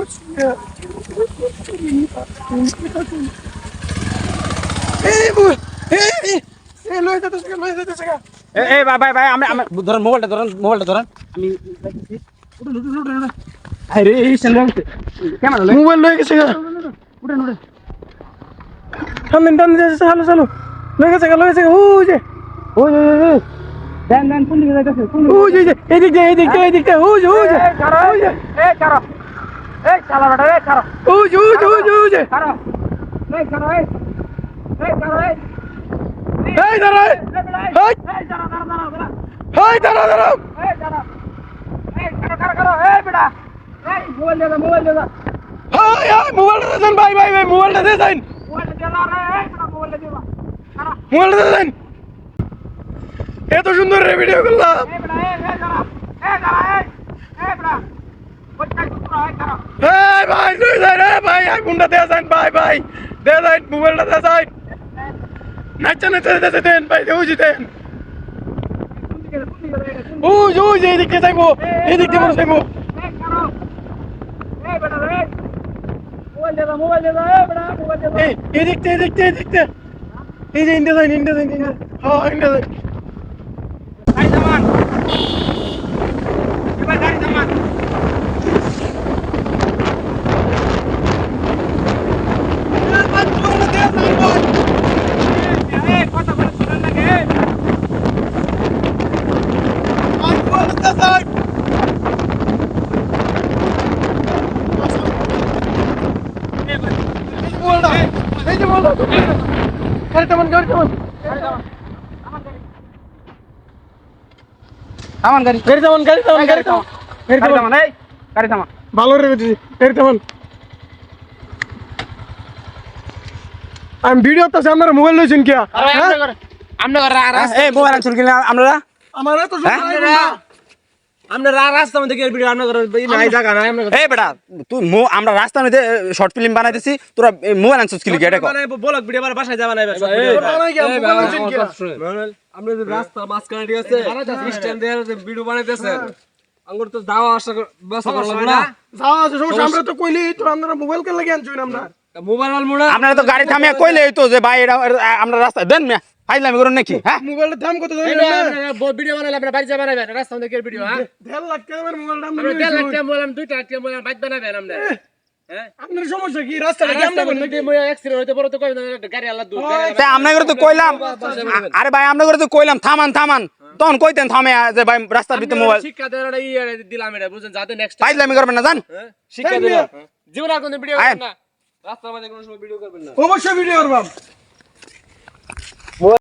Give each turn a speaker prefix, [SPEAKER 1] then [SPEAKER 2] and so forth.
[SPEAKER 1] ভাই আমি ধরেন মোবাইলটা ধরেন আমি আরে এই ক্যামেরা মোবাইল লয়ে গেছে উঠেন টান চালু লয়ে গেছে ওই যে ওই দেন কোন দিকে যাইতেছে ওই যে এদিক দিয়ে ওই যে এই ছাড়ো এই শালা বেটা এই ছাড়ো ওই যে ছাড়ো এই ছাড়ো এই ছাড়ো এই দাঁড়া এই বেটা এই মোবাইল দে মোবাইলটা দেন ভাই মোবাইলটা দেন মোবাইলটা দেন এত সুন্দর ভিডিও করলাম ভাই আইফোনটা দেয়া যান ভাই দেয়া যান মোবাইলটা দেয়া যান নাচা দেন ভাই দেন ওই যে এদিকে যাইবো এদিকে মনে যাইবো এদিকতে এই যে ইন্ডিয়া যাই হ্যাঁ ইন্ডিয়া যাই গাড়ি থামান এবার গাড়ি থামান ভালো রে আমি ভিডিও তো আপনারা মোবাইল লইছেন কি মোবাইল আনছেন কিনা আপনারা আমার তো আমরা রাস্তার মধ্যে ভিডিও নাই জায়গা নাই বেটা তুই আমরা রাস্তার মধ্যে শর্ট ফিল্ম বানাইতেছি তোরা মোবাইল আনছিস কি এটা ব্লগ ভিডিও বাসায় যাবা নাই আমরা রাস্তা মাঝখানে ঠিক আছে স্ট্যান্ড দিয়ে ভিডিও বানাইতেছে আঙ্গুর তো যাওয়া আসা ব্যবস্থা করা লাগবে না যাওয়া আসা সমস্যা আমরা তো কইলি তো আমরা মোবাইল কে লাগি আনছুন আমরা মোবাইল আলমুনা আপনারা তো গাড়ি থামিয়ে কইলে তো যে ভাই এটা আমরা রাস্তা দেন মিয়া ফাইলামি করুন নাকি হ্যাঁ মোবাইলটা দাম কত জানেন না ভিডিও বানাইলে আপনারা বাড়ি যাবেন না রাস্তা থেকে ভিডিও হ্যাঁ 1.5 লাখ টাকার মোবাইল দাম 1.5 লাখ টাকা মোবাইল 2 টাকা মোবাইল বাইক বানাবেন আমরা হ্যাঁ আপনার সমস্যা কি রাস্তাটা কেমন করতে মই অ্যাক্সিডেন্ট হইতে পড়ে তো কই গাড়ি আল্লাহ দূর তা আমরা করে তো কইলাম আরে ভাই আমরা করে তো কইলাম থামান তখন কইতেন থামে যে ভাই রাস্তার ভিতরে মোবাইল শিক্ষা দেওয়ার দিলাম এটা বুঝেন যাতে নেক্সট ফাইলামি করবেন না জান শিক্ষা দিলাম জীবন আর কোন ভিডিও করবেন না রাস্তার মধ্যে কোনো সময় ভিডিও করবেন না অবশ্যই ভিডিও করব